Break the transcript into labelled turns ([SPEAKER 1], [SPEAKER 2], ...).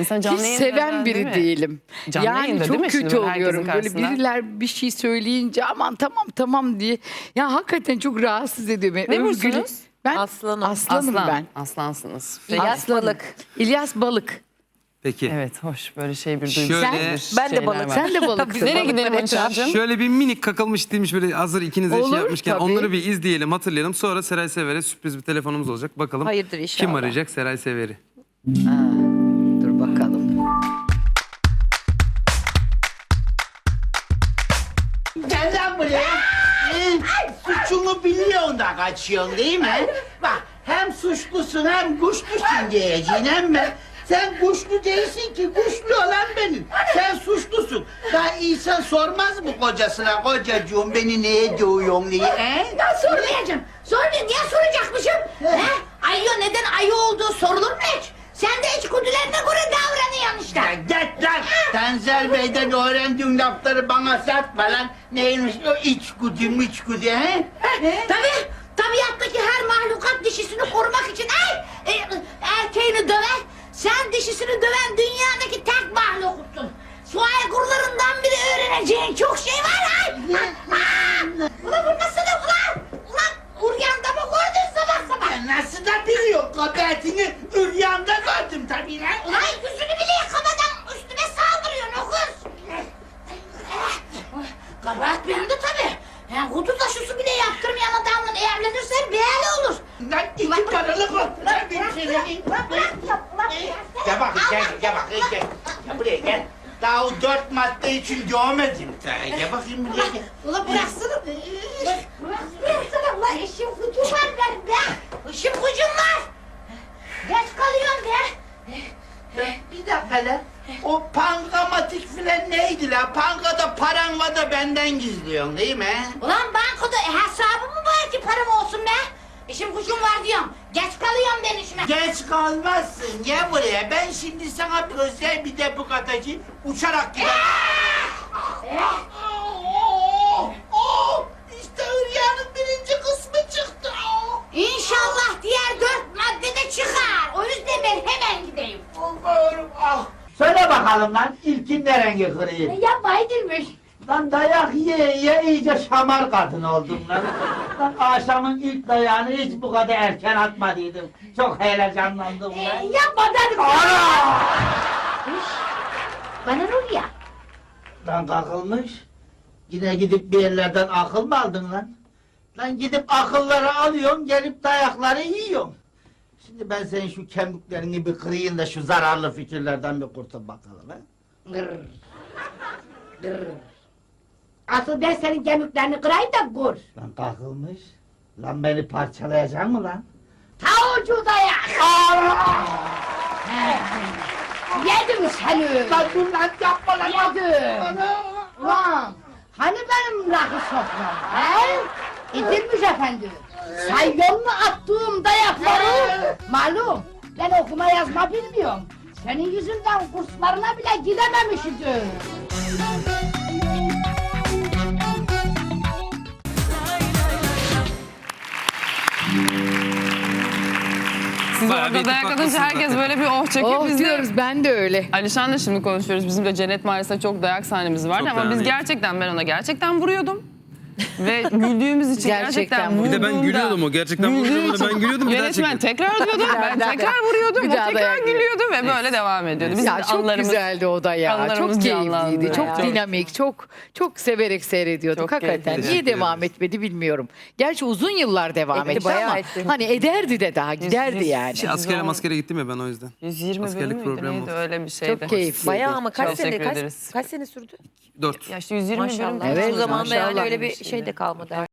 [SPEAKER 1] İnsan canlı
[SPEAKER 2] Hiç
[SPEAKER 1] yayında
[SPEAKER 2] seven
[SPEAKER 1] özel, değil
[SPEAKER 2] biri
[SPEAKER 1] mi?
[SPEAKER 2] değilim.
[SPEAKER 1] Canlı
[SPEAKER 2] Yani
[SPEAKER 1] yayında değil
[SPEAKER 2] çok
[SPEAKER 1] mi şimdi
[SPEAKER 2] kötü
[SPEAKER 1] böyle herkesin
[SPEAKER 2] oluyorum. Böyle
[SPEAKER 1] karşısında?
[SPEAKER 2] biriler bir şey söyleyince aman tamam diye. Ya hakikaten çok rahatsız ediyor beni.
[SPEAKER 1] Ne
[SPEAKER 2] Övgülü-
[SPEAKER 1] bursunuz?
[SPEAKER 2] Ben
[SPEAKER 3] Aslanım.
[SPEAKER 2] aslanım ben.
[SPEAKER 1] Aslansınız.
[SPEAKER 3] İlyas
[SPEAKER 2] Aslanım.
[SPEAKER 3] Balık.
[SPEAKER 2] İlyas Balık.
[SPEAKER 4] Peki.
[SPEAKER 1] Evet, hoş. Böyle bir
[SPEAKER 4] Şöyle-
[SPEAKER 1] duygu.
[SPEAKER 3] Ben de balık.
[SPEAKER 2] Sen de balıksın.
[SPEAKER 1] Nereye gidelim Hatice'cim?
[SPEAKER 4] Şöyle bir minik kakılmış demiş böyle hazır ikiniz de
[SPEAKER 2] Olur,
[SPEAKER 4] şey yapmışken
[SPEAKER 2] tabii.
[SPEAKER 4] onları bir izleyelim, hatırlayalım. Sonra Seray Sever'e sürpriz bir telefonumuz olacak. Bakalım
[SPEAKER 3] Hayırdır inşallah.
[SPEAKER 4] kim arayacak Seray Sever'i?
[SPEAKER 2] Dur bakalım.
[SPEAKER 5] Gel lan buraya. Suçunu biliyorsun da kaçıyorsun değil mi? Bak hem suçlusun hem kuşlusun diyeceğin ama sen kuşlu değilsin ki kuşlu olan benim. Sen suçlusun. Daha insan sormaz mı kocasına kocacığım beni neye dövüyorsun diye?
[SPEAKER 6] Ben sormayacağım. Sormayayım. Niye soracakmışım? He? Ayı neden ayı olduğu sorulur mu hiç? Sen de içgüdülerine göre davranıyorsun işte.
[SPEAKER 5] Ya git lan! Tenzel Bey'den öğrendiğin lafları bana satma lan. Neymiş o içgüdü he?
[SPEAKER 6] Tabii. Tabiattaki her mahlukat dişisini korumak için erkeğini döver. Sen dişisini döven dünyadaki tek mahluksun. Su aygırlarından biri öğreneceğin çok şey var ha. Ulan bu nasıl da ulan? Ulan uryanda mı gördün sabah sabah?
[SPEAKER 5] Ya nasıl da biliyor kabahatini üryanda gördüm tabii lan.
[SPEAKER 6] Ulan yüzünü bile yıkamadan üstüme saldırıyorsun o kız. Kabahat benim de tabii. Yani hudut aşısı bile yaptırmayan adamla evlenirsen böyle olur.
[SPEAKER 5] Lan iki paralık oldu lan benim senin. Gel bakayım gel bakayım gel. Gel buraya gel. Daha o 4 madde için dövmedim sana. Gel bakayım buraya gel.
[SPEAKER 6] Ulan bıraksana. Bıraksana ulan işim gücüm var benim be. İşim gücüm var. Geç kalıyorum be.
[SPEAKER 5] Bir dakika lan. O pankamatik filan neydi lan? Pankada paran var da benden gizliyorsun değil mi?
[SPEAKER 6] Ulan bankada hesabım mı var ki param olsun be? İşim gücüm var diyorum. Geç kalıyorum ben işime.
[SPEAKER 5] Geç kalmazsın. Gel buraya. Ben şimdi sana bir özel bir depok atacağım. Uçarak gider. İşte Hülya'nın birinci kısmı çıktı.
[SPEAKER 6] İnşallah diğer 4 maddede çıkar. O yüzden ben hemen gideyim.
[SPEAKER 5] Allah'ım ah. Söyle bakalım lan ilkin ne rengi kırıyı?
[SPEAKER 6] Yapma edilmiş.
[SPEAKER 5] Lan dayak ye iyice şamar kadın oldum lan. Lan akşamın ilk dayağını hiç bu kadar erken atmadıydım. Çok heyecanlandım lan.
[SPEAKER 6] Yapma dedim.
[SPEAKER 5] Ana!
[SPEAKER 6] Bana ne oluyor ya?
[SPEAKER 5] Lan kalkılmış. Yine gidip bir yerlerden akıl mı aldın lan? Lan gidip akılları alıyorsun, gelip dayakları yiyorsun. Şimdi ben senin şu kemiklerini bir kırayım da şu zararlı fikirlerden bir kurtul bakalım ha.
[SPEAKER 6] Gırr. Gırr. Asıl ben senin kemiklerini kırayım da gör.
[SPEAKER 5] Lan kalkılmış. Lan beni parçalayacak mı lan?
[SPEAKER 6] Ta ucu dayak. Yedim seni.
[SPEAKER 5] Lan dur lan yapma lan.
[SPEAKER 6] Yedim.
[SPEAKER 5] Ana!
[SPEAKER 6] Ulan hani benim rakı sofram he? İdilmiş efendi. Sayıyor mu attığım dayakları? Malum ben okuma yazma bilmiyorum. Senin yüzünden kurslarına bile gidememişim.
[SPEAKER 1] Siz
[SPEAKER 4] Bayağı bir
[SPEAKER 1] orada dayak
[SPEAKER 4] ittifak
[SPEAKER 1] atınca
[SPEAKER 4] haklısın
[SPEAKER 1] herkes
[SPEAKER 4] zaten.
[SPEAKER 1] böyle bir oh çekiyor.
[SPEAKER 2] Oh
[SPEAKER 1] Biz de
[SPEAKER 2] diyoruz ben de öyle.
[SPEAKER 1] Alişan'la şimdi konuşuyoruz. Bizim de Cennet Mahallesi'nde çok dayak sahnemiz vardı
[SPEAKER 4] Çok
[SPEAKER 1] ama
[SPEAKER 4] dayak
[SPEAKER 1] biz
[SPEAKER 4] yedik.
[SPEAKER 1] gerçekten ben ona gerçekten vuruyordum. Ve güldüğümüz için
[SPEAKER 2] Gerçekten
[SPEAKER 1] gerçekten
[SPEAKER 4] Bir de ben
[SPEAKER 1] vurduğumda-
[SPEAKER 4] gülüyordum o. Gerçekten
[SPEAKER 1] güldüğü
[SPEAKER 4] vurduğumda
[SPEAKER 1] için
[SPEAKER 4] ben gülüyordum bir daha
[SPEAKER 1] Yönetmen
[SPEAKER 4] çekiyordum.
[SPEAKER 1] tekrar diyordu. Ben tekrar vuruyordum.
[SPEAKER 2] Bir
[SPEAKER 1] O
[SPEAKER 2] daha
[SPEAKER 1] tekrar
[SPEAKER 2] dayak yiyor.
[SPEAKER 1] gülüyordu ve böyle devam ediyordu. Bizim
[SPEAKER 2] Ya
[SPEAKER 1] de
[SPEAKER 2] çok
[SPEAKER 1] anılarımız-
[SPEAKER 2] güzeldi o da ya.
[SPEAKER 1] anılarımız
[SPEAKER 2] Çok
[SPEAKER 1] canlandı.
[SPEAKER 2] keyifliydi, çok
[SPEAKER 1] Evet.
[SPEAKER 2] dinamik, çok severek seyrediyorduk.
[SPEAKER 1] Çok
[SPEAKER 2] Hakikaten
[SPEAKER 1] keyifliydi.
[SPEAKER 2] niye
[SPEAKER 4] Teşekkür
[SPEAKER 2] devam
[SPEAKER 4] ederiz.
[SPEAKER 2] etmedi bilmiyorum. Gerçi uzun yıllar devam
[SPEAKER 3] Etti,
[SPEAKER 2] etti
[SPEAKER 3] bayağı
[SPEAKER 2] ama
[SPEAKER 3] etti.
[SPEAKER 2] hani ederdi de daha giderdi yani.
[SPEAKER 4] Şey, askere gittim ya ben o yüzden.
[SPEAKER 1] 120
[SPEAKER 4] Askerlik
[SPEAKER 1] bölüm müydü
[SPEAKER 4] problemi
[SPEAKER 1] neydi
[SPEAKER 4] oldu.
[SPEAKER 1] öyle bir şeydi.
[SPEAKER 2] Çok keyifliydi.
[SPEAKER 3] Bayağı ama kaç
[SPEAKER 1] Çok
[SPEAKER 3] sene
[SPEAKER 1] teşekkür ederiz.
[SPEAKER 3] kaç sene sürdü?
[SPEAKER 4] 4.
[SPEAKER 1] Ya işte 120 bölüm.
[SPEAKER 3] Maşallah.
[SPEAKER 2] Evet,
[SPEAKER 3] O zaman da yani
[SPEAKER 2] maşallah.
[SPEAKER 3] öyle bir şey de kalmadı.